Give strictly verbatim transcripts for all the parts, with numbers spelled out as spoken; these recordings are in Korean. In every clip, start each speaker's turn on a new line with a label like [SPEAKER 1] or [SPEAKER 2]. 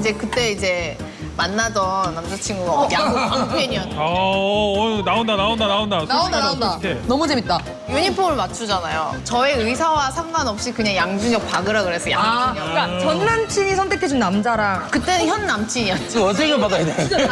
[SPEAKER 1] 이제 그때 이제 만나던 남자친구가 야구 광팬이었는데
[SPEAKER 2] 어, 어, 나온다 나온다 나온다.
[SPEAKER 3] 나온다 나온다.
[SPEAKER 2] 솔직해.
[SPEAKER 3] 너무 재밌다.
[SPEAKER 1] 유니폼을 맞추잖아요. 저의 의사와 상관없이 그냥 양준혁 박으라 그래서
[SPEAKER 3] 아,
[SPEAKER 1] 양준혁.
[SPEAKER 3] 그러니까 전 남친이 선택해준 남자랑
[SPEAKER 1] 그때는 현 남친이었죠.
[SPEAKER 4] 이거 어떻게 받아야 돼?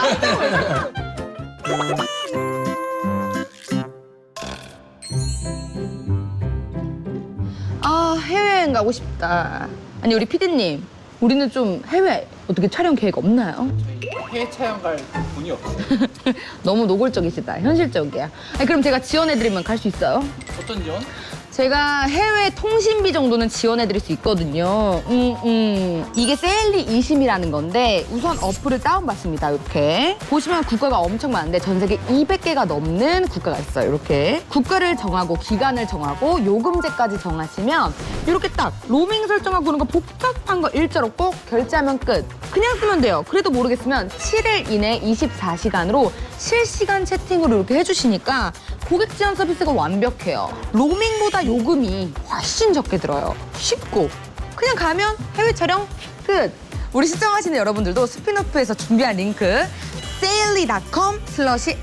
[SPEAKER 3] 아 해외여행 가고 싶다. 아니 우리 피디님, 우리는 좀 해외 어떻게 촬영 계획 없나요?
[SPEAKER 4] 해외 촬영 갈 돈이 없어.
[SPEAKER 3] 너무 노골적이시다. 현실적이야. 아니, 그럼 제가 지원해드리면 갈 수 있어요?
[SPEAKER 4] 어떤 지원?
[SPEAKER 3] 제가 해외 통신비 정도는 지원해드릴 수 있거든요. 음, 음. 이게 세일리 이심이라는 건데 우선 어플을 다운받습니다. 이렇게. 보시면 국가가 엄청 많은데 전 세계 이백 개가 넘는 국가가 있어요. 이렇게. 국가를 정하고 기간을 정하고 요금제까지 정하시면 이렇게 딱 로밍 설정하고 그런 거 복잡한 거 일자로 꼭 결제하면 끝. 그냥 쓰면 돼요. 그래도 모르겠으면 칠 일 이내 이십사 시간으로 실시간 채팅으로 이렇게 해주시니까 고객 지원 서비스가 완벽해요. 로밍보다 요금이 훨씬 적게 들어요. 쉽고 그냥 가면 해외 촬영 끝. 우리 시청하시는 여러분들도 스피노프에서 준비한 링크 세일리 닷컴 슬러시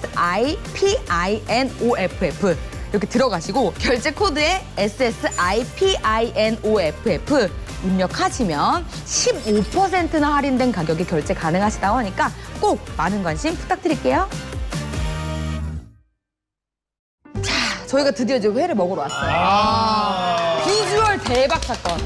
[SPEAKER 3] 에스에스아이피아이엔오에프에프 이렇게 들어가시고 결제 코드에 에스에스아이피아이엔오에프에프 입력하시면 십오 퍼센트나 할인된 가격에 결제 가능하시다고 하니까 꼭 많은 관심 부탁드릴게요. 자, 저희가 드디어 이제 회를 먹으러 왔어요.
[SPEAKER 2] 아.
[SPEAKER 3] 비주얼 대박 사건.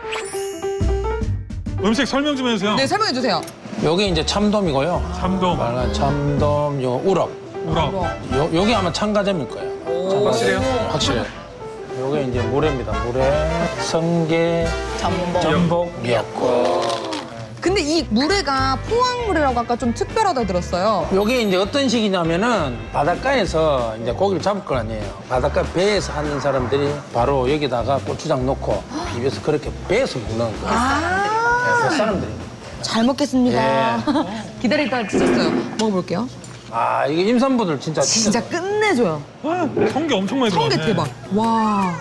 [SPEAKER 2] 음식 설명 좀 해주세요.
[SPEAKER 3] 네, 설명해 주세요.
[SPEAKER 4] 여기 이제 참돔이고요.
[SPEAKER 2] 참돔,
[SPEAKER 4] 빨간 참돔, 요 우럭.
[SPEAKER 2] 우럭.
[SPEAKER 4] 요, 여기 아마 참가점일 거예요.
[SPEAKER 2] 확실해요?
[SPEAKER 4] 확실해요. 요게 이제 물회입니다. 물회, 성게,
[SPEAKER 1] 전복.
[SPEAKER 4] 전복, 미역국.
[SPEAKER 3] 근데 이 물회가 포항물회라고 아까 좀 특별하다 들었어요.
[SPEAKER 4] 요게 이제 어떤 식이냐면은 바닷가에서 이제 고기를 잡을 거 아니에요. 바닷가 배에서 하는 사람들이 바로 여기다가 고추장 넣고 비벼서 그렇게 배에서 먹는 거예요.
[SPEAKER 3] 아,
[SPEAKER 4] 그 사람들이.
[SPEAKER 3] 잘 먹겠습니다.
[SPEAKER 4] 예.
[SPEAKER 3] 기다리다가 드셨어요. 먹어볼게요.
[SPEAKER 4] 아, 이게 임산부들 진짜
[SPEAKER 3] 진짜 끝내줘요.
[SPEAKER 2] 아, 성게 엄청 많이 들어가네.
[SPEAKER 3] 성게 대박. 와.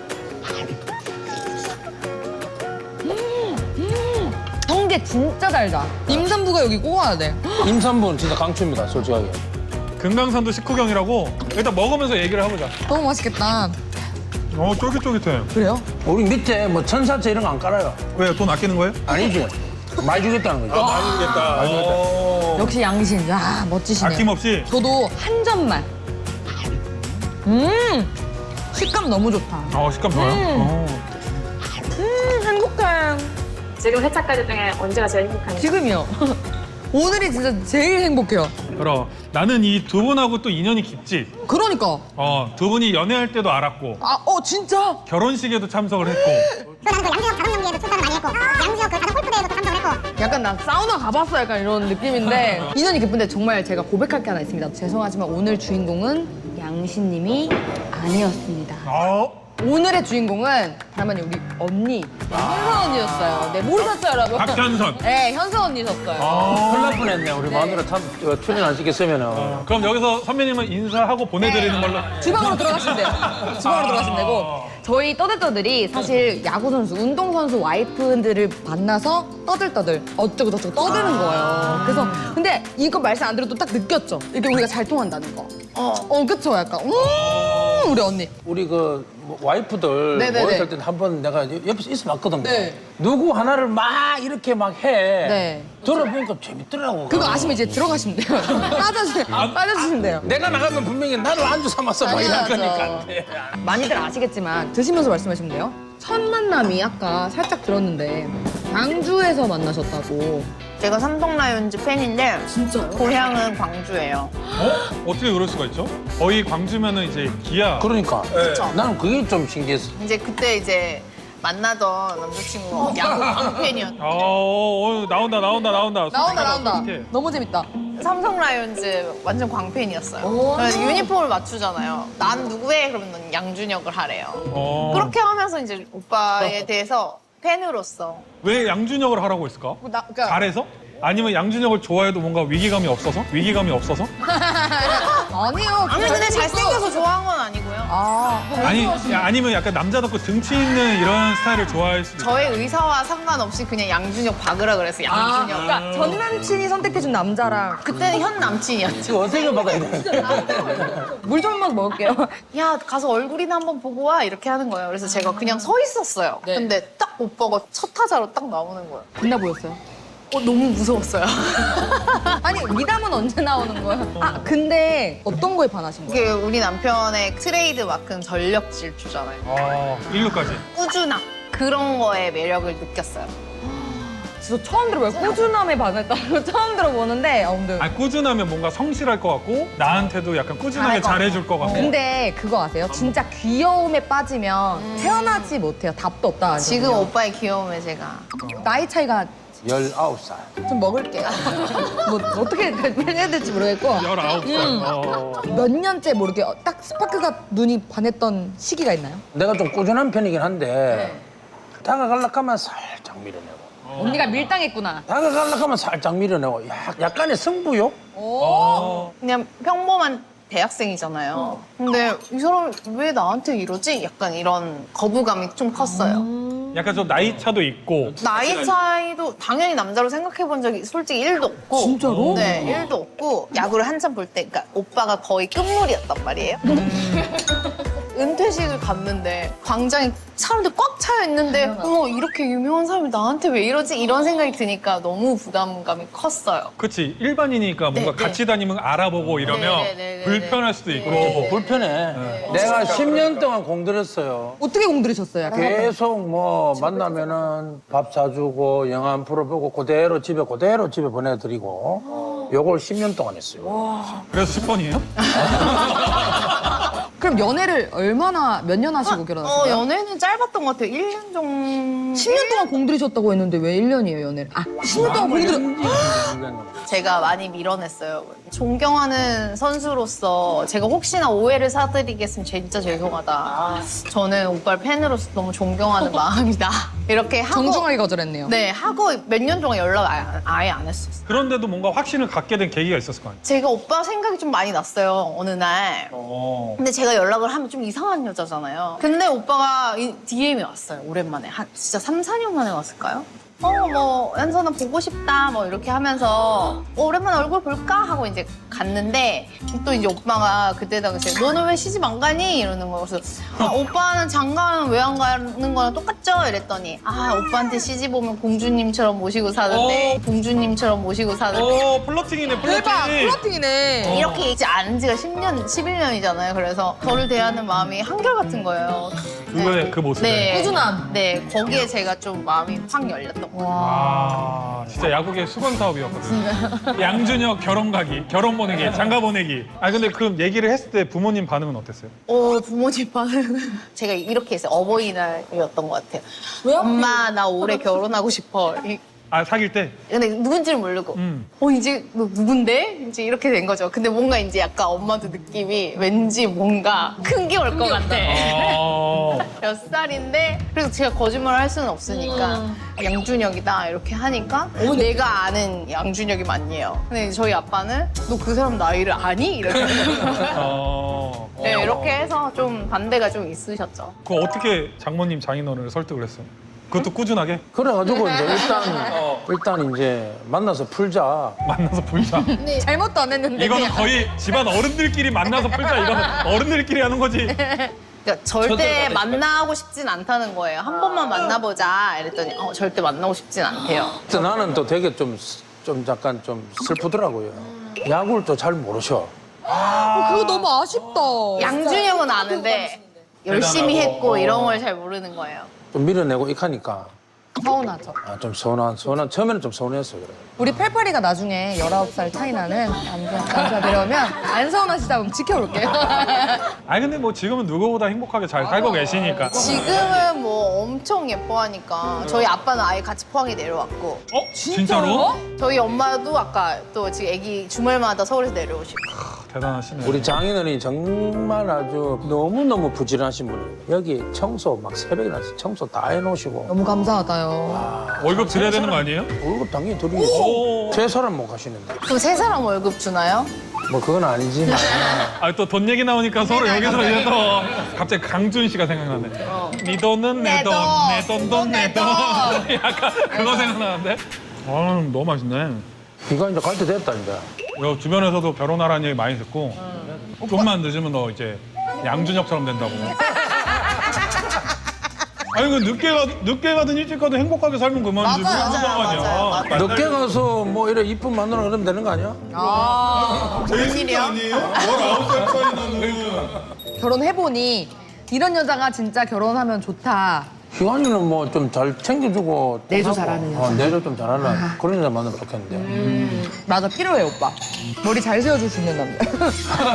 [SPEAKER 3] 음, 음. 성게 진짜 달다. 임산부가 여기 꼭 와야 돼.
[SPEAKER 4] 임산부는 진짜 강추입니다, 솔직하게.
[SPEAKER 2] 금강산도 식후경이라고 일단 먹으면서 얘기를 해보자.
[SPEAKER 3] 너무 맛있겠다.
[SPEAKER 2] 어, 쫄깃쫄깃해.
[SPEAKER 3] 그래요?
[SPEAKER 4] 우리 밑에 뭐 천사채 이런 거 안 깔아요.
[SPEAKER 2] 왜, 돈 아끼는 거예요?
[SPEAKER 4] 아니지. 많이 주겠다는 거죠.
[SPEAKER 2] 많이 주겠다. 많이 주겠다.
[SPEAKER 3] 역시 양신. 야, 멋지시네요.
[SPEAKER 2] 아낌없이.
[SPEAKER 3] 저도 한 점만. 음, 식감 너무 좋다.
[SPEAKER 2] 어, 식감 좋아요.
[SPEAKER 3] 음.
[SPEAKER 2] 어.
[SPEAKER 3] 음, 행복해.
[SPEAKER 5] 지금 회차까지 중에 언제가 제일 행복한가요?
[SPEAKER 3] 지금이요. 오늘이 진짜 제일 행복해요.
[SPEAKER 2] 그럼 나는 이 두 분하고 또 인연이 깊지.
[SPEAKER 3] 그러니까.
[SPEAKER 2] 어, 두 분이 연애할 때도 알았고
[SPEAKER 3] 아, 어, 진짜?
[SPEAKER 2] 결혼식에도 참석을 했고.
[SPEAKER 6] 또 나는 그 양준혁 결혼 연기에도 출연을 많이 했고 양준혁 그 가상 골프대회도 또 참석을 했고
[SPEAKER 3] 약간 나 사우나 가봤어 약간 이런 느낌인데 인연이 깊은데 정말 제가 고백할 게 하나 있습니다. 죄송하지만 오늘 주인공은 양신님이 아니었습니다.
[SPEAKER 2] 어,
[SPEAKER 3] 오늘의 주인공은 다만 우리 언니 현선 언니였어요. 네, 모르셨어요 여러분?
[SPEAKER 2] 박현선.
[SPEAKER 3] 네, 현선 언니셨어요.
[SPEAKER 2] 어.
[SPEAKER 4] 큰일 날 뻔했네. 우리 마누라 참 어, 출연 안 시켰으면은.
[SPEAKER 2] 그럼 여기서 선배님은 인사하고 보내드리는 걸로.
[SPEAKER 3] 주방으로 들어가시면 돼요. 주방으로 들어가시면 되고 저희 떠들떠들이 사실 야구 선수, 운동 선수 와이프들을 만나서 떠들떠들 어쩌고 저쩌고 떠드는 거예요. 그래서 근데 이거 말씀 안 들어도 딱 느꼈죠. 이게 우리가 잘 통한다는 거. 어, 어, 그쵸, 약간. 음, 우리 언니.
[SPEAKER 4] 우리 그 뭐 와이프들
[SPEAKER 3] 네네네.
[SPEAKER 4] 모였을 때 한 번 내가 옆에서 있어 봤거든.
[SPEAKER 3] 네.
[SPEAKER 4] 누구 하나를 막 이렇게 막 해.
[SPEAKER 3] 네.
[SPEAKER 4] 들어보니까 재밌더라고.
[SPEAKER 3] 그거 아시면 이제 들어가시면 돼요. 빠져주, 빠져주시면 돼요.
[SPEAKER 4] 내가 나가면 분명히 나를 안주 삼아서 막 이럴
[SPEAKER 3] 당연하죠.
[SPEAKER 4] 거니까.
[SPEAKER 3] 많이들 아시겠지만 드시면서 말씀하시면 돼요. 첫 만남이 아까 살짝 들었는데 광주에서 만나셨다고.
[SPEAKER 1] 제가 삼성 라이온즈 팬인데
[SPEAKER 3] 진짜요?
[SPEAKER 1] 고향은 광주예요.
[SPEAKER 2] 어? 어떻게 그럴 수가 있죠? 거의 광주면은 이제 기아.
[SPEAKER 4] 그러니까.
[SPEAKER 1] 그쵸.
[SPEAKER 4] 나는 그게 좀 신기했어.
[SPEAKER 1] 이제 그때 이제 만나던 남자친구가 야구 광팬이었는데
[SPEAKER 2] 어, 어, 나온다 나온다 나온다.
[SPEAKER 3] 나온다
[SPEAKER 2] 솔직하다,
[SPEAKER 3] 나온다.
[SPEAKER 2] 솔직해.
[SPEAKER 3] 너무 재밌다.
[SPEAKER 1] 삼성 라이온즈 완전 광팬이었어요.
[SPEAKER 3] 오.
[SPEAKER 1] 그래서 유니폼을 맞추잖아요. 난 누구해? 그러면 넌 양준혁을 하래요.
[SPEAKER 2] 어.
[SPEAKER 1] 그렇게 하면서 이제 오빠에 대해서 팬으로서
[SPEAKER 2] 왜 양준혁을 하라고 했을까?
[SPEAKER 3] 나, 그러니까
[SPEAKER 2] 잘해서? 아니면 양준혁을 좋아해도 뭔가 위기감이 없어서? 위기감이 없어서?
[SPEAKER 3] 어, 아니요.
[SPEAKER 1] 아니 근데 잘생겨서 좋아한 건 아니고요.
[SPEAKER 3] 아,
[SPEAKER 2] 아니 야, 아니면 약간 남자답고 등치 있는 이런 스타일을 좋아할 수도 있고.
[SPEAKER 1] 저의 의사와 상관없이 그냥 양준혁 박으라 그래서
[SPEAKER 3] 아,
[SPEAKER 1] 양준혁.
[SPEAKER 3] 그러니까 전 남친이 선택해준 남자랑
[SPEAKER 1] 그때는 현 남친이었죠.
[SPEAKER 4] 지금 어떻게 받아야 돼?
[SPEAKER 3] 물 좀 한번 먹을게요.
[SPEAKER 1] 야 가서 얼굴이나 한번 보고 와 이렇게 하는 거예요. 그래서 제가 그냥 서 있었어요.
[SPEAKER 3] 네.
[SPEAKER 1] 근데 딱 오빠가 첫 타자로 딱 나오는 거예요.
[SPEAKER 3] 빛나 보였어요.
[SPEAKER 1] 어, 너무 무서웠어요.
[SPEAKER 3] 아니, 미담은 언제 나오는 거예요? 아, 근데 어떤 거에 반하신 거예요?
[SPEAKER 1] 이게 우리 남편의 트레이드 마크는 전력 질주잖아요.
[SPEAKER 2] 어, 일루까지.
[SPEAKER 1] 꾸준함 그런 거에 매력을 느꼈어요.
[SPEAKER 3] 저 처음 들어봐요. 꾸준함에 반했다는 거 처음 들어보는데. 아, 근데.
[SPEAKER 2] 아 꾸준하면 뭔가 성실할 것 같고 나한테도 약간 꾸준하게 잘해줄 것 같고.
[SPEAKER 3] 근데 그거 아세요? 진짜 귀여움에 빠지면 태어나지 못해요. 답도 없다. 하거든요.
[SPEAKER 1] 지금 오빠의 귀여움에 제가
[SPEAKER 3] 나이 차이가
[SPEAKER 4] 열아홉 살.
[SPEAKER 3] 좀 먹을게요. 뭐 어떻게 해야 될지 모르겠고
[SPEAKER 2] 열아홉 살.
[SPEAKER 3] 음.
[SPEAKER 2] 어.
[SPEAKER 3] 몇 년째 모르게 딱 스파크가 눈이 반했던 시기가 있나요?
[SPEAKER 4] 내가 좀 꾸준한 편이긴 한데 다가가려고 하면 살짝 밀어내고
[SPEAKER 3] 언니가 밀당했구나.
[SPEAKER 4] 다가가려고 하면 살짝 밀어내고 약, 약간의 승부욕?
[SPEAKER 2] 어.
[SPEAKER 1] 그냥 평범한 대학생이잖아요. 근데 이 사람 왜 나한테 이러지? 약간 이런 거부감이 좀 컸어요.
[SPEAKER 2] 약간 좀 나이 차도 있고.
[SPEAKER 1] 나이 차이도 당연히 남자로 생각해 본 적이 솔직히 일도 없고.
[SPEAKER 3] 진짜로?
[SPEAKER 1] 네, 일도 없고. 야구를 한참 볼 때, 그러니까 오빠가 거의 끝물이었단 말이에요. 은퇴식을 갔는데 광장에 사람들 꽉 차여 있는데 어머 이렇게 유명한 사람이 나한테 왜 이러지? 이런 생각이 드니까 너무 부담감이 컸어요.
[SPEAKER 2] 그치 일반이니까 뭔가
[SPEAKER 1] 네, 네.
[SPEAKER 2] 같이 다니면 알아보고 이러면
[SPEAKER 1] 네, 네, 네, 네,
[SPEAKER 2] 불편할 수도 있고.
[SPEAKER 4] 뭐 불편해. 내가 십 년 동안 공들였어요.
[SPEAKER 3] 어떻게 공들이셨어요? 약간?
[SPEAKER 4] 계속 뭐 만나면은 밥 사주고 영화 한 프로 보고 그대로 집에 그대로 집에 보내드리고 요걸 십 년 동안 했어요.
[SPEAKER 2] 그래서 십 번이에요?
[SPEAKER 3] 그럼 연애를 얼마나 몇 년 하시고 결혼하신
[SPEAKER 1] 어,
[SPEAKER 3] 거예요?
[SPEAKER 1] 연애는 짧았던 것 같아요. 일 년 정도.
[SPEAKER 3] 십 년 동안 공들이셨다고 했는데 왜 일 년이에요, 연애를? 아, 십 년 동안 공들이...
[SPEAKER 1] 제가 많이 밀어냈어요. 존경하는 선수로서 제가 혹시나 오해를 사드리겠으면 진짜 죄송하다. 저는 오빠를 팬으로서 너무 존경하는 마음이다. 이렇게 하고
[SPEAKER 3] 정중하게 거절했네요.
[SPEAKER 1] 네, 하고 몇 년 동안 연락 아예, 안- 아예 안 했었어요.
[SPEAKER 2] 그런데도 뭔가 확신을 갖게 된 계기가 있었을 거 아니에요?
[SPEAKER 1] 제가 오빠 생각이 좀 많이 났어요, 어느 날.
[SPEAKER 2] 어.
[SPEAKER 1] 근데 제가 연락을 하면 좀 이상한 여자잖아요. 근데 오빠가 디엠이 왔어요, 오랜만에. 한 진짜 삼, 사 년 만에 왔을까요? 어, 뭐, 현선아 보고 싶다, 뭐, 이렇게 하면서, 어, 오랜만에 얼굴 볼까? 하고 이제 갔는데, 또 이제 오빠가 그때 당시에, 너는 왜 시집 안 가니? 이러는 거예요. 그래서, 아, 오빠는 장가는 왜 안 가는 거랑 똑같죠? 이랬더니, 아, 오빠한테 시집 오면 공주님처럼 모시고 사는데, 공주님처럼 모시고 사는데,
[SPEAKER 2] 오 플러팅이네 플러팅.
[SPEAKER 3] 대박! 플러팅이네.
[SPEAKER 1] 이렇게 이제 아는 지가 십 년, 십일 년이잖아요. 그래서 저를 대하는 마음이 한결같은 거예요.
[SPEAKER 2] 그거의 그 모습에.
[SPEAKER 1] 네.
[SPEAKER 3] 꾸준함.
[SPEAKER 1] 네, 거기에 제가 좀 마음이 확 열렸던 것 같아요.
[SPEAKER 2] 아 진짜 야구계 수건 사업이었거든. 양준혁 결혼 가기, 결혼 보내기, 장가 보내기. 아 근데 그럼 얘기를 했을 때 부모님 반응은 어땠어요?
[SPEAKER 1] 어, 부모님 반응은 제가 이렇게 했어요. 어버이날이었던 것 같아요.
[SPEAKER 3] 왜요?
[SPEAKER 1] 엄마, 나 올해 결혼하고 싶어. 이-
[SPEAKER 2] 아 사귈 때?
[SPEAKER 1] 근데 누군지를 모르고,
[SPEAKER 2] 음.
[SPEAKER 1] 어, 이제 너 누군데? 이제 이렇게 된 거죠. 근데 뭔가 이제 약간 엄마도 느낌이 왠지 뭔가 큰 게 올 것 같아.
[SPEAKER 2] 어.
[SPEAKER 1] 몇 살인데 그래서 제가 거짓말을 할 수는 없으니까 양준혁이다 이렇게 하니까 내가 아는 양준혁이 맞네요. 근데 저희 아빠는 너 그 사람 나이를 아니? 이렇게
[SPEAKER 2] 어.
[SPEAKER 1] 네, 이렇게 해서 좀 반대가 좀 있으셨죠.
[SPEAKER 2] 그 어떻게 장모님 장인어른을 설득을 했어요? 그것도 꾸준하게
[SPEAKER 4] 그래가지고 이제 일단 일단 이제 만나서 풀자.
[SPEAKER 2] 만나서 풀자.
[SPEAKER 3] 잘못도 안 했는데.
[SPEAKER 2] 이거는
[SPEAKER 3] 그냥.
[SPEAKER 2] 거의 집안 어른들끼리 만나서 풀자. 이거는 어른들끼리 하는 거지.
[SPEAKER 1] 그러니까 절대 만나고 싶진 않다는 거예요. 한 번만 만나보자 이랬더니 어, 절대 만나고 싶진 않대요.
[SPEAKER 4] 그래서 나는 또 되게 좀, 좀 약간 좀 슬프더라고요. 야구를 또 잘 모르셔.
[SPEAKER 3] 어, 그거 너무 아쉽다.
[SPEAKER 1] 양준혁은 아는데 열심히
[SPEAKER 2] 대단하고.
[SPEAKER 1] 했고 이런 걸 잘 모르는 거예요.
[SPEAKER 4] 좀 밀어내고 익하니까
[SPEAKER 3] 서운하죠.
[SPEAKER 4] 아, 좀 서운한, 서운한, 처음에는 좀 서운했어요. 그래.
[SPEAKER 3] 우리 팔팔이가 나중에 열아홉 살 차이 나는 남자, 남자 데려오면 안 서운하시다 그럼 지켜볼게요.
[SPEAKER 2] 아니 근데 뭐 지금은 누구보다 행복하게 잘 살고 계시니까.
[SPEAKER 1] 지금은 뭐 엄청 예뻐하니까 저희 아빠는 아예 같이 포항에 내려왔고
[SPEAKER 2] 어? 진짜로?
[SPEAKER 1] 저희 엄마도 아까 또 지금 애기 주말마다 서울에서 내려오시고
[SPEAKER 2] 대단하시네.
[SPEAKER 4] 우리 장인어른이 정말 아주 너무너무 부지런하신 분이에요. 여기 청소 막 새벽에 나서 청소 다 해놓으시고
[SPEAKER 3] 너무 감사하다요.
[SPEAKER 2] 월급 드려야 되는 거 아니에요?
[SPEAKER 4] 월급 당연히
[SPEAKER 2] 오.
[SPEAKER 4] 드리고 세 사람 못 가시는데
[SPEAKER 1] 그럼 세 사람 월급 주나요?
[SPEAKER 4] 뭐 그건 아니지만
[SPEAKER 2] 아, 또 돈 얘기 나오니까 서로 여기서 이제 또 갑자기 강준 씨가 생각나네. 네 돈은 내 돈, 내 돈돈 내 돈. 약간 그거 생각나는데? 아, 너무 맛있네.
[SPEAKER 4] 이거 이제 갈 때 됐다 이제.
[SPEAKER 2] 요 주변에서도 결혼하라는 얘기 많이 듣고 좀만 늦으면 너 이제 양준혁처럼 된다고. 아니 그 늦게 가 늦게 가든 일찍 가든 행복하게 살면 그만이지.
[SPEAKER 1] 맞아요,
[SPEAKER 2] 무슨
[SPEAKER 1] 맞아요,
[SPEAKER 2] 상관이야.
[SPEAKER 1] 맞아요.
[SPEAKER 4] 늦게 가서 뭐 이래 이쁜 만나러 그러면 되는 거 아니야?
[SPEAKER 1] 웬일이야?
[SPEAKER 2] 아니에요? 열아홉 살 차이 나는.
[SPEAKER 3] 결혼해보니 이런 여자가 진짜 결혼하면 좋다.
[SPEAKER 4] 희관이는 뭐 좀 잘 챙겨주고 또
[SPEAKER 3] 내조
[SPEAKER 4] 하고.
[SPEAKER 3] 잘하는
[SPEAKER 4] 어, 내조 좀 잘하는 그런 여자 만나면 좋겠는데.
[SPEAKER 3] 음, 맞아, 필요해, 오빠. 머리 잘 세워줄 수 있는 남자.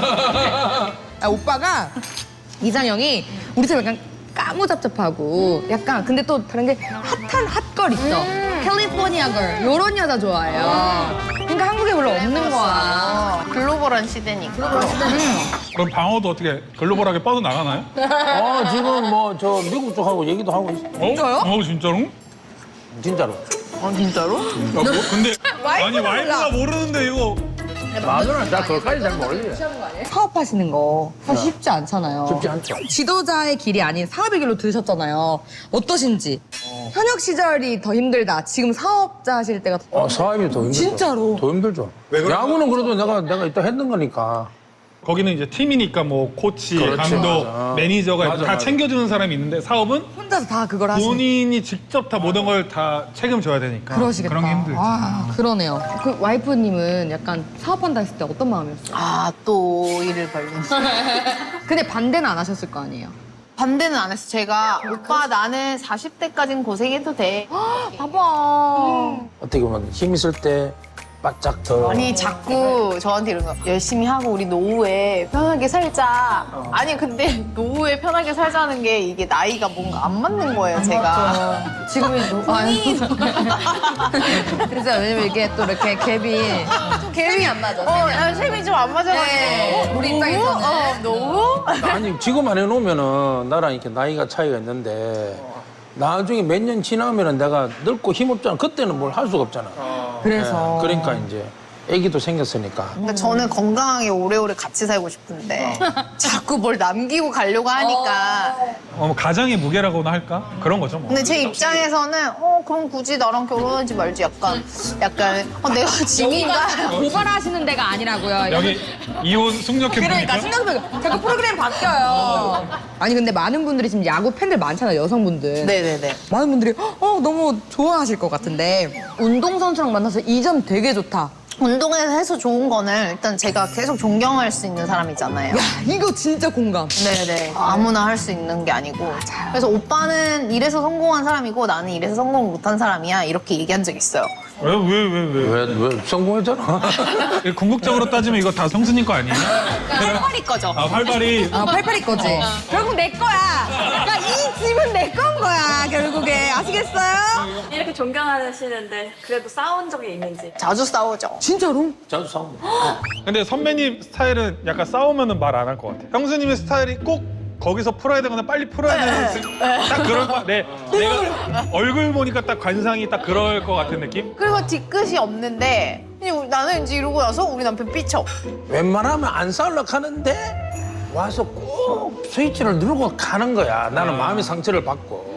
[SPEAKER 3] 아, 오빠가, 이상형이 우리처럼 약간 까무잡잡하고 약간, 근데 또 다른 게 핫한 핫걸 있어. 캘리포니아 걸. 요런 여자 좋아해요. 그러니까 한국에 별로 없는 거야.
[SPEAKER 1] 어, 글로벌한 시대니까.
[SPEAKER 2] 그럼 방어도 어떻게 글로벌하게 뻗어 나가나요?
[SPEAKER 4] 어 지금 뭐 저 미국 쪽하고 얘기도 하고 있어.
[SPEAKER 2] 진짜요? 어, 진짜로?
[SPEAKER 4] 진짜로.
[SPEAKER 1] 어, 진짜로?
[SPEAKER 2] 야, 뭐, 근데 아니
[SPEAKER 3] 와이프가
[SPEAKER 2] 와이프가 모르는데 이거
[SPEAKER 4] 마누라 나 그것까지 잘 모르지.
[SPEAKER 3] 사업하시는 거 사실 쉽지 않잖아요.
[SPEAKER 4] 쉽지 않죠.
[SPEAKER 3] 지도자의 길이 아닌 사업의 길로 들으셨잖아요. 어떠신지? 현역 시절이 더 힘들다. 지금 사업자 하실 때가 더...
[SPEAKER 4] 어, 사업이 더 힘들죠.
[SPEAKER 3] 진짜로?
[SPEAKER 4] 더 힘들죠. 야구는 그래도 내가 내가 이따 했는 거니까.
[SPEAKER 2] 거기는 이제 팀이니까 뭐 코치,
[SPEAKER 4] 그렇지,
[SPEAKER 2] 감독,
[SPEAKER 4] 맞아.
[SPEAKER 2] 매니저가
[SPEAKER 4] 맞아,
[SPEAKER 2] 다
[SPEAKER 4] 맞아.
[SPEAKER 2] 챙겨주는 사람이 있는데 사업은
[SPEAKER 3] 혼자서 다 그걸 하시는
[SPEAKER 2] 본인이 직접 다 모든 걸 다 책임져야 되니까
[SPEAKER 3] 그러시겠다.
[SPEAKER 2] 그런 게 힘들지.
[SPEAKER 3] 아, 그러네요. 그 와이프님은 약간 사업한다 했을 때 어떤 마음이었어요?
[SPEAKER 1] 아, 또 일을 벌린.
[SPEAKER 3] 근데 반대는 안 하셨을 거 아니에요?
[SPEAKER 1] 반대는 안 했어. 제가 오빠 나는 사십 대까진 고생해도 돼.
[SPEAKER 3] 봐봐.
[SPEAKER 4] 어떻게 보면 힘 있을 때 바짝 더.
[SPEAKER 1] 아니 자꾸 저한테 이런 거 열심히 하고 우리 노후에 편하게 살자.
[SPEAKER 3] 어.
[SPEAKER 1] 아니 근데 노후에 편하게 살자는 게 이게 나이가 뭔가 안 맞는 거예요 제가.
[SPEAKER 3] 지금은 노... 아니. 그래서 왜냐면 이게 또 이렇게 갭이 갭이 안 맞아.
[SPEAKER 1] 어, 야, 셈이 좀 안 맞아가지고.
[SPEAKER 3] 네, 우리 입장에서는.
[SPEAKER 1] 어, 노후?
[SPEAKER 4] 아니 지금 안 해놓으면은 나랑 이렇게 나이가 차이가 있는데 나중에 몇 년 지나면은 내가 늙고 힘없잖아. 그때는 뭘 할 수가 없잖아.
[SPEAKER 3] 그래서.
[SPEAKER 4] 예, 그러니까 이제 아기도 생겼으니까.
[SPEAKER 1] 그러니까 저는 건강하게 오래오래 같이 살고 싶은데 자꾸 뭘 남기고 가려고 하니까.
[SPEAKER 2] 어, 뭐 가장의 무게라고나 할까? 그런 거죠 뭐.
[SPEAKER 1] 근데 제 입장에서는 어 그럼 굳이 나랑 결혼하지 말지 약간 약간 어, 내가 짐인가?
[SPEAKER 3] 고발하시는 데가 아니라고요.
[SPEAKER 2] 여기 이혼 숙녀
[SPEAKER 3] 그러니까
[SPEAKER 2] 캠프니까?
[SPEAKER 3] 신경쓰고 자꾸 프로그램 바뀌어요. 아니 근데 많은 분들이 지금 야구 팬들 많잖아요, 여성분들.
[SPEAKER 1] 네네네.
[SPEAKER 3] 많은 분들이 어 너무 좋아하실 것 같은데 운동선수랑 만나서 이 점 되게 좋다.
[SPEAKER 1] 운동에서 해서 좋은 거는 일단 제가 계속 존경할 수 있는 사람이잖아요.
[SPEAKER 3] 야 이거 진짜 공감.
[SPEAKER 1] 네네. 아무나 할 수 있는 게 아니고. 그래서 오빠는 이래서 성공한 사람이고 나는 이래서 성공 못한 사람이야. 이렇게 얘기한 적 있어요.
[SPEAKER 2] 왜 왜 왜 왜?
[SPEAKER 4] 왜, 왜 성공했잖아.
[SPEAKER 2] 궁극적으로 따지면 이거 다 성수님 거 아니에요?
[SPEAKER 1] 팔팔이 거죠.
[SPEAKER 2] 아 활발히
[SPEAKER 3] 아 팔팔이 거지. 결국 내 거야. 그러니까 이 집은 내 건 거야 결국에. 아시겠어요?
[SPEAKER 5] 이렇게 존경하시는데 그래도 싸운 적이 있는지.
[SPEAKER 1] 자주 싸우죠.
[SPEAKER 3] 진짜로?
[SPEAKER 4] 자주 싸우고.
[SPEAKER 2] 근데 선배님 스타일은 약간 싸우면은 말 안 할 것 같아. 형수님의 스타일이 꼭 거기서 풀어야 되거나 빨리 풀어야 되는 딱 그럴 것 같아. 내, 내가 얼굴 보니까 딱 관상이 딱 그럴 것 같은 느낌?
[SPEAKER 1] 그리고 뒤끝이 없는데 그냥 나는 이제 이러고 나서 우리 남편 삐쳐.
[SPEAKER 4] 웬만하면 안 싸우려고 하는데 와서 꼭 스위치를 누르고 가는 거야. 나는 마음의 상처를 받고.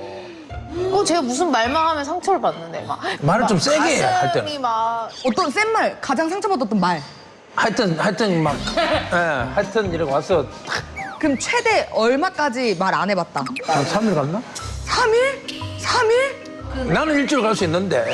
[SPEAKER 1] 어, 제가 무슨 말만 하면 상처를 받는데 막.
[SPEAKER 4] 말을 좀 세게 해, 할 때는.
[SPEAKER 1] 가슴이 막.
[SPEAKER 3] 어떤 센 말, 가장 상처받았던 말.
[SPEAKER 4] 하여튼 하여튼 막 예, 하여튼 이렇게 와서
[SPEAKER 3] 그럼 최대 얼마까지 말 안 해봤다?
[SPEAKER 4] 한 삼 일 갔나?
[SPEAKER 3] 삼 일? 삼 일?
[SPEAKER 4] 나는 일주일 갈 수 있는데.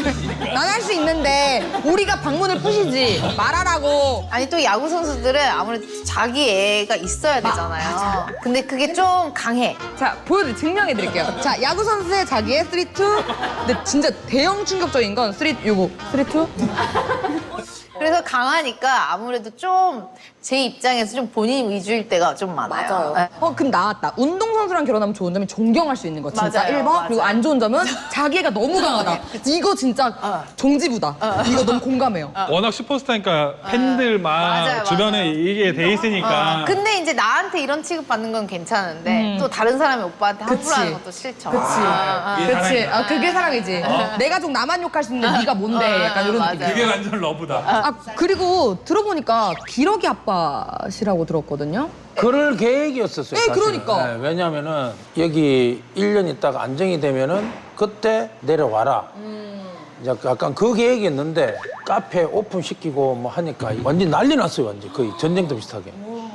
[SPEAKER 3] 난 할 수 있는데 우리가 방문을 푸시지 말하라고.
[SPEAKER 1] 아니 또 야구 선수들은 아무래도 자기 애가 있어야 되잖아요. 근데 그게 좀 강해.
[SPEAKER 3] 자 보여드릴 증명해 드릴게요. 자 야구 선수의 자기의 쓰리 투. 근데 진짜 대형 충격적인 건 쓰리 요거 쓰리 투.
[SPEAKER 1] 그래서 강하니까 아무래도 좀 제 입장에서 좀 본인 위주일 때가 좀 많아요.
[SPEAKER 5] 맞아요.
[SPEAKER 1] 네.
[SPEAKER 3] 어, 그럼 나왔다. 운동선수랑 결혼하면 좋은 점이 존경할 수 있는 거. 진짜
[SPEAKER 1] 맞아요,
[SPEAKER 3] 일 번.
[SPEAKER 1] 맞아요.
[SPEAKER 3] 그리고 안 좋은 점은 자기가 너무 강하다. 이거 진짜
[SPEAKER 1] 어.
[SPEAKER 3] 종지부다. 이거 너무 공감해요.
[SPEAKER 2] 워낙 슈퍼스타니까 팬들만
[SPEAKER 1] 맞아요,
[SPEAKER 2] 주변에
[SPEAKER 1] 맞아요.
[SPEAKER 2] 이게 돼 있으니까.
[SPEAKER 1] 근데 이제 나한테 이런 취급 받는 건 괜찮은데 또 다른 사람이 오빠한테 함부로
[SPEAKER 3] 그치.
[SPEAKER 1] 하는 것도 싫죠.
[SPEAKER 3] 그치.
[SPEAKER 1] 아, 아.
[SPEAKER 2] 이게
[SPEAKER 3] 그치.
[SPEAKER 2] 사랑이다.
[SPEAKER 3] 아, 그게 사랑이지. 내 가족 나만 욕할 수 있는데 네가 뭔데. 약간 이런
[SPEAKER 1] 맞아요.
[SPEAKER 3] 느낌.
[SPEAKER 2] 그게 완전 러브다.
[SPEAKER 3] 아, 그리고 들어보니까 기러기 아빠시라고 들었거든요.
[SPEAKER 4] 그럴 계획이었었어요.
[SPEAKER 3] 네,
[SPEAKER 4] 사실은.
[SPEAKER 3] 그러니까.
[SPEAKER 4] 네, 왜냐면은 여기 일 년 있다가 안정이 되면은 그때 내려와라. 이제 약간 그 계획이었는데 카페 오픈시키고 뭐 하니까 완전 난리 났어요. 완전 거의 전쟁도 비슷하게.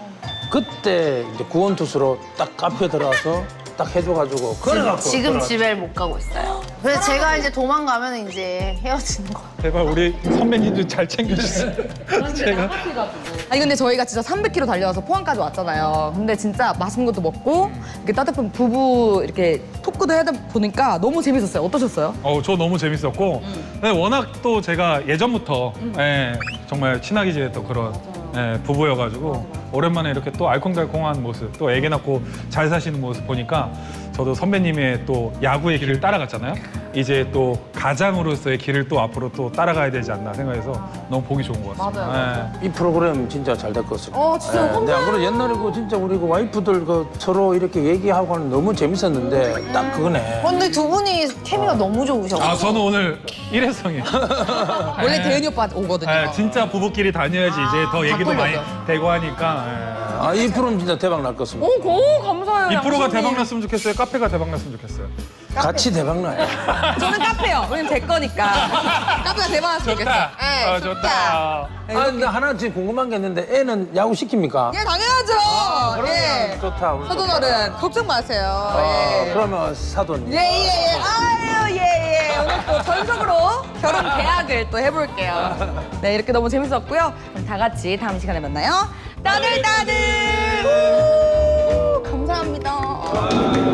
[SPEAKER 4] 그때 이제 구원투수로 딱 카페 들어와서 딱 해줘가지고 그래갖고
[SPEAKER 1] 지금
[SPEAKER 4] 들어왔죠.
[SPEAKER 1] 집에 못 가고 있어요. 그래서 제가 이제 도망가면 이제 헤어지는 거.
[SPEAKER 2] 제발 우리 선배님도 잘 챙겨주세요. 제가
[SPEAKER 3] 아니 근데 저희가 진짜 삼백 킬로미터 달려와서 포항까지 왔잖아요. 근데 진짜 맛있는 것도 먹고 이렇게 따뜻한 부부 이렇게 토크도 하다 보니까 너무 재밌었어요. 어떠셨어요?
[SPEAKER 2] 어, 저 너무 재밌었고 근데 워낙 또 제가 예전부터 예, 정말 친하게 지냈던 그런 예, 부부여가지고 오랜만에 이렇게 또 알콩달콩한 모습 또 애기 낳고 잘 사시는 모습 보니까 저도 선배님의 또 야구의 길을 따라갔잖아요. 이제 또 가장으로서의 길을 또 앞으로 또 따라가야 되지 않나 생각해서 너무 보기 좋은 것 같습니다.
[SPEAKER 3] 맞아요.
[SPEAKER 2] 예.
[SPEAKER 4] 이 프로그램 진짜 잘 될 것 같습니다.
[SPEAKER 3] 어, 진짜
[SPEAKER 4] 근데 안 그래도 옛날에 그 진짜 우리 그 와이프들 그 서로 이렇게 얘기하고 하는 너무 재밌었는데 딱 그거네.
[SPEAKER 1] 근데 두 분이 케미가 너무 좋으셔가지고.
[SPEAKER 2] 아 저는 오늘 일회성이에요.
[SPEAKER 3] 원래 대은이 오빠 오거든요.
[SPEAKER 2] 예, 진짜 부부끼리 다녀야지 이제 더 얘기도 많이
[SPEAKER 3] 바꾸려고요.
[SPEAKER 2] 되고 하니까 예.
[SPEAKER 4] 아, 이 프로는 진짜 대박 날 것 같습니다.
[SPEAKER 3] 오, 고 감사해요.
[SPEAKER 2] 이 프로가
[SPEAKER 3] 양심님.
[SPEAKER 2] 대박 났으면 좋겠어요. 카페가 대박 났으면 좋겠어요.
[SPEAKER 4] 같이 대박 나요.
[SPEAKER 3] 저는 카페요. 왜냐면 제 거니까. 카페가 대박 났으면 좋겠어요.
[SPEAKER 2] 좋다.
[SPEAKER 3] 네,
[SPEAKER 2] 어, 좋다.
[SPEAKER 4] 아, 근데 하나 지금 궁금한 게 있는데 애는 야구 시킵니까?
[SPEAKER 3] 예, 당연하죠.
[SPEAKER 4] 그러면
[SPEAKER 3] 예.
[SPEAKER 4] 좋다. 우리
[SPEAKER 3] 사돈
[SPEAKER 4] 좋다.
[SPEAKER 3] 어른 걱정 마세요.
[SPEAKER 4] 아,
[SPEAKER 3] 예.
[SPEAKER 4] 그러면 사돈.
[SPEAKER 3] 예, 예, 예. 아유, 예, 예. 오늘 또 전속으로 결혼 계약을 또 해볼게요. 네, 이렇게 너무 재밌었고요. 그럼 다 같이 다음 시간에 만나요. 따들따들! 우, 감사합니다.